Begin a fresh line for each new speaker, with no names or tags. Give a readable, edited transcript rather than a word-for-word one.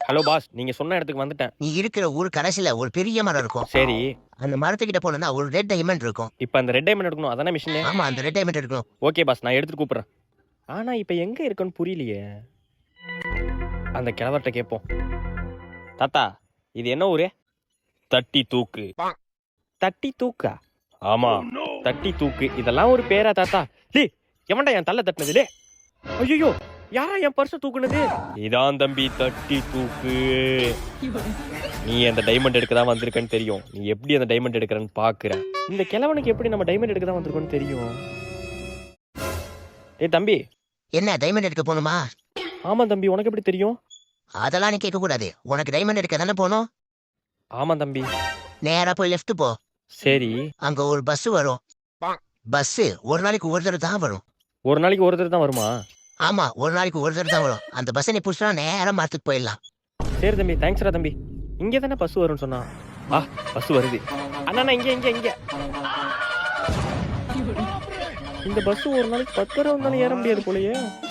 Hello boss, நீங்க சொன்ன இடத்துக்கு வந்துட்டேன்.
நீ இருக்கிற ஊர் கடைசியில ஒரு பெரிய மரம் இருக்கும்.
சரி,
அந்த மரத்துக்கிட்ட போனா ஒரு ரெட் டைமண்ட் இருக்கும்.
இப்ப அந்த ரெட் டைமண்ட் எடுக்கணும் அதானே மிஷினு?
ஆமா, அந்த ரெட் டைமண்ட் எடுக்கணும்.
ஓகே பாஸ், நான் எடுத்துட்டு கூப்பிடுறேன். ஆனா இப்ப எங்க இருக்குன்னு புரியலையே. அந்த கிழவர்கிட்ட கேட்போம். தாத்தா, இது என்ன ஊரு? தட்டி தூக்கு. தட்டி தூக்கா? ஆமா, தட்டி தூக்கு. இதெல்லாம் ஒரு பேரா தாத்தா? டேய், எவன்டா என் தள்ள தட்டினது? டேய், ஐயோ, யாரா என் பர்ஸ தூக்குனது? இதான் தம்பி தட்டி தூக்கு. நீ அந்த டைமண்ட் எடுக்க தான் வந்திருக்கன்னு தெரியும். நீ எப்படி அந்த டைமண்ட் எடுக்கிறன்னு பாக்குற. இந்த கிழவனுக்கு எப்படி நம்ம டைமண்ட் எடுக்க தான் வந்திருக்கோன்னு தெரியும். ஏய் தம்பி.
என்ன டைமண்ட் எடுக்க போகணுமா?
ஆமா தம்பி, உனக்கு எப்படி தெரியும்?
அதெல்லாம் நீ கேட்க கூடாது. உனக்கு டைமண்ட் எடுக்க தானே போகணும்.
ஆமா தம்பி.
நேரா போய் லெஃப்ட் போ.
சரி.
அங்க ஒரு பஸ் வரும். பஸ் ஒரு நாளைக்கு ஒரு தடவை தான் வரும்.
ஒரு நாளைக்கு ஒரு தடவை தான் வருமா?
ஆமா, ஒரு நாளைக்கு ஒரு தடவை தான் வரும். அந்த பஸ்ஸை நீ புடிச்சா நேரா மரத்துக்கு போயிடலாம்.
சரி தம்பி, தேங்க்ஸ்ரா தம்பி. இங்கே தானே பஸ் வரும்னு சொன்னா. பஸ் வருது. அண்ணா இங்க. இந்த பஸ் ஒரு நாளைக்கு 10 தடவை வந்தாலும் ஏற முடியாது போலயே.